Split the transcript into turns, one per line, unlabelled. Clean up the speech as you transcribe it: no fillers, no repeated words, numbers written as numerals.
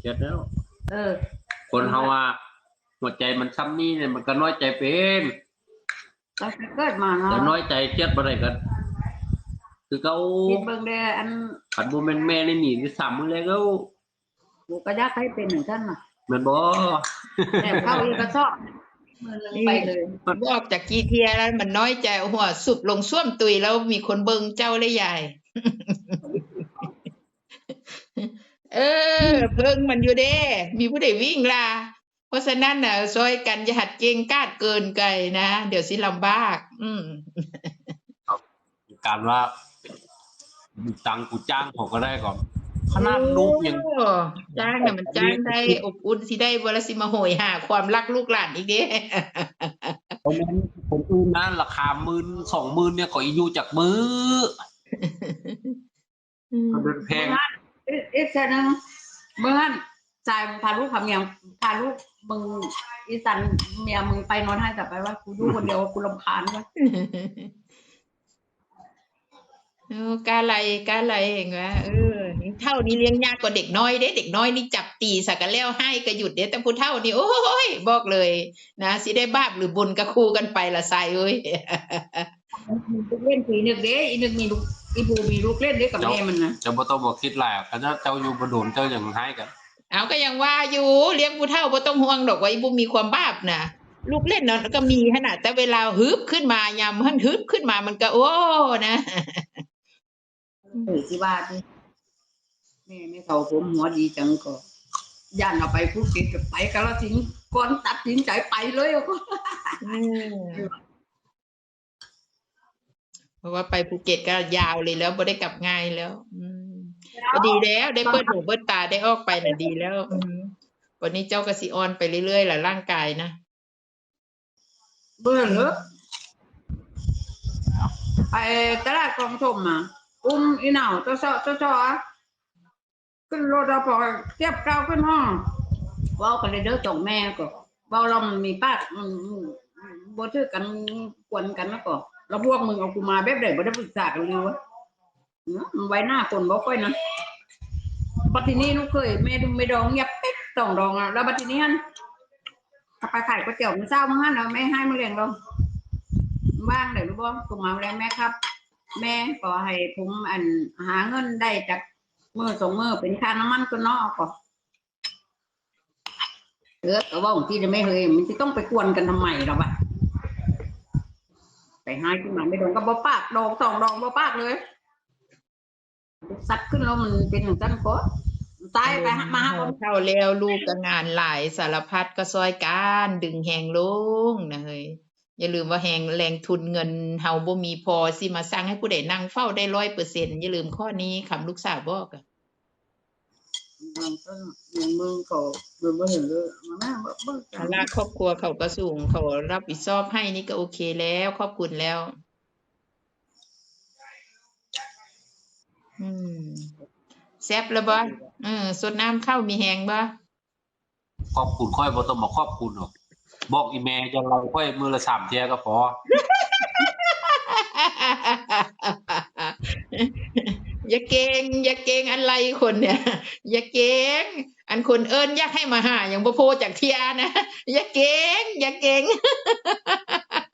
จ็ดแล้ว
เออ
คนเฮาว่าหัวใจมันซ้ำนี่เนี่ยมันก็น้อยใจเป็น
ตั้งแต่เกิดมาเนาะ
แต่น้อยใจเครียดบ่ได้กันคือเขา
คิดเบิ่งได้อัน
ขันบ่แม่นแม่ในหนีที่3มื้อแล้ว
กูก็อยากให้เป็นเหมือนกันน่ะ
แม่นบ่
แต่เข้าอีกก็ชอบมือนึงไปเลย
บอกจากกี่เทียแล้วมันน้อยใจหัวสุบลงส้วมตุยแล้วมีคนเบิ่งเจ้าเลยใหญ่ เพิ่งมันอยู่เด้มีผู้ใดวิ่งล่ะเพราะฉะนั้นน่ะซอยกันอย่าหัดเก่งกาดเกินไกลนะเดี๋ยวสิลำบาก
การว่าตังกูจ้างเขาก็ได้ก่อนขนาดลูกยัง
จ้างน่ะมันจ้างได้อบอุ่นสิได้บ่ละสิมาโหยหาความรักลูกหลานอีกเด้
เพราะฉะนั้นผมอื่นนะราคา10,000 20,000เนี่ยขออยู่จากมือเขาเดินแพง
อีกแค่นึงเมื่อนั้นจ่ายพาลูกทำอย่างพาลูกมึงอีสันเมียมึงไปนอนให้แต่ไปว่ากูดูคนเดียวกูรำคาญวะ
กาไรเองวะเท่านี้เลี้ยงยากกว่าเด็กน้อยเด้เด็กน้อยนี่จับตีสักกันแล้วให้ก็หยุดเด้แต่ผู้เฒ่านี่โอ้ยบอกเลยนะสิได้บาปหรือบุญก็คู่กันไปละใส่เอ้ย
เล่นผีนึกเด้อีนึกมีลูกอีบูมีลูกเล่นเด้กับแม่มันนะ
จะบ่ต้องบอกคิดหลายคณะเจ้าอยู่บ่โดนเจ้าอย่างให้กัน
เอาก็ยังว่าอยู่เลี้ยงผู้เฒ่าบ่ต้องห่วงดอกว่าอีบูมีความบาปน่ะลูกเล่นเนาะก็มีขนาดแต่เวลาฮึบขึ้นมายามมันฮึบขึ้นมามันก็โอ้นะ
สิว่าดิแม่เฒ่าผมหัวดีจังก็ย่านเอาไปภูเก็ตก็ไปกาฬสินธุ์ก่อนตัดสินใจไปเลย
เพราะว่าไปภูเก็ตก็ยาวเลยแล้วบ่ได้กลับง่ายแล้วก็ดีแล้วได้เปิดหูเปิดตาได้ออกไปน่ะดีแล้ววันนี้เจ้าก็สิออนไปเรื่อยๆล่ะร่างกายนะ
เบิ่งเด้อไปตลาดกองชมอ่ะอีหนาวเจ้าขึ้นรถเราพอเทียบเก้าขึ้นห้องเว้ากันเลยเด้อสองแม่ก็เว้าเรามีปากบ่ถือกันกวนกันแล้วก็แล้วพวกมึงเอากูมาแบบใดบ่ได้ปรึกษากันเลยวะไว้หน้าคนบ่ค่อยนะบัดทีนี้ลูกเคยแม่ดูไม่ดองเงียบปิ๊กต้องดองอ่ะแล้วบัดทีนี้หั่นไปขายก๋วยเตี๋ยวมื้อเช้ามื้อหั่นน่ะแม่ให้มื้อเลี้ยงเราบ้างได้รู้บ่กูมาแล้วแม่ครับแม่ขอให้ผมหาเงินได้จากมื้อ2มื้อเป็นค่าน้ำมันก็เนาะก็ก็ว่าบางทีจะไม่เคยมันสิต้องไปกวนกันทำไมล่ะวะไปให้ขึ้นมาไม่ดองก็บ่ปากดอง2ดองบ่ปากเลยซัดขึ้นแล้วมันเป็นจังซั่นก็ตายไปมาหา
เท่าแล้วลูกก็งานหลายสารพัดก็ซอยกันดึงแหงลงนะเฮ้ยอย่าลืมว่าแรงทุนเงินเฮาบ่มีพอสิมาสั่งให้ผู้ใดนั่งเฝ้าได้ 100% อย่าลืมข้อนี้คำลูกสาวบอกอ่ะ
มึงเขาบ่เห็นเลยมาบ่
ภาระครอบครัวเขาก็สูงเขารับผิดชอบให้นี่ก็โอเคแล้วขอบคุณแล้วแซ่บแล้วบ่สดน้ำเข้ามีแหงบ่
ขอบคุณค่อยบ่ต้องมาขอบคุณหรอกบอกอีแม่จะเราค่อยมื้อละ3เที่ยก็พอ
อย่าเก่งอะไรคนเนี่ยอย่าเก่งอันคนเอิ้นอยากให้มาหาอย่างบ่โพจากเที่ยนะอย่าเก่ง